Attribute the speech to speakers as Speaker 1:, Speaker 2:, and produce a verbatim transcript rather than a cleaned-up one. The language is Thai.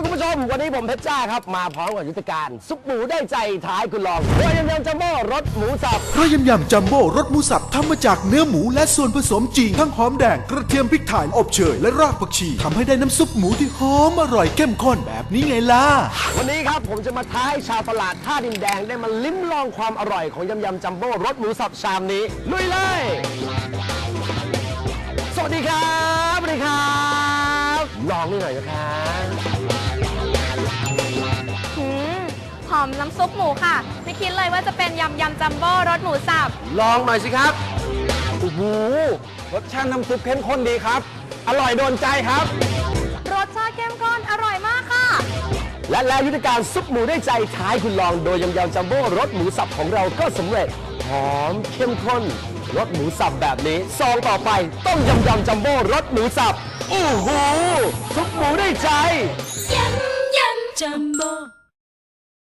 Speaker 1: คุณผู้ชมวันนี้ผมเพชรจ้าครับมาพร้อมกับยุทธการซุปหมูได้ใจท้ายคุณลองโดยยำยำจัมโบ้รสหมูสับ
Speaker 2: เพราะยำยำจัมโบ้รสหมูสับทำมาจากเนื้อหมูและส่วนผสมจริงทั้งหอมแดงกระเทียมพริกไทยอบเชยและรากผักชีทำให้ได้น้ำซุปหมูที่หอมอร่อยเข้มข้นแบบนี้ไงล่ะ
Speaker 1: วันนี้ครับผมจะมาท้าให้ชาวตลาดท่าดินแดงได้มาลิ้มลองความอร่อยของยำยำจัมโบ้รสหมูสับชามนี้ลุยเลยสวัสดีครับสวัสดีครับลองนี่หน่อยนะครับ
Speaker 3: หอมน้ำซุปหมูค่ะไม่คิดเลยว่าจะเป็นยำยำจัมโบ้รสหมูสับ
Speaker 1: ลองหน่อยสิครับโอ้โหรสชาติน้ำซุปเข้มข้นดีครับอร่อยโดนใจครับ
Speaker 3: รสชาติเข้มข้นอร่อยมากค่ะ
Speaker 1: และแล้วยุทธการซุปหมูได้ใจท้ายคุณลองโดยยำยำจัมโบ้รสหมูสับของเราก็สำเร็จหอมเข้มข้นรสหมูสับแบบนี้ซองต่อไปต้มยำยำจัมโบ้รสหมูสับโอ้โหซุปหมูได้ใจ
Speaker 4: ยำยำจัมโบ้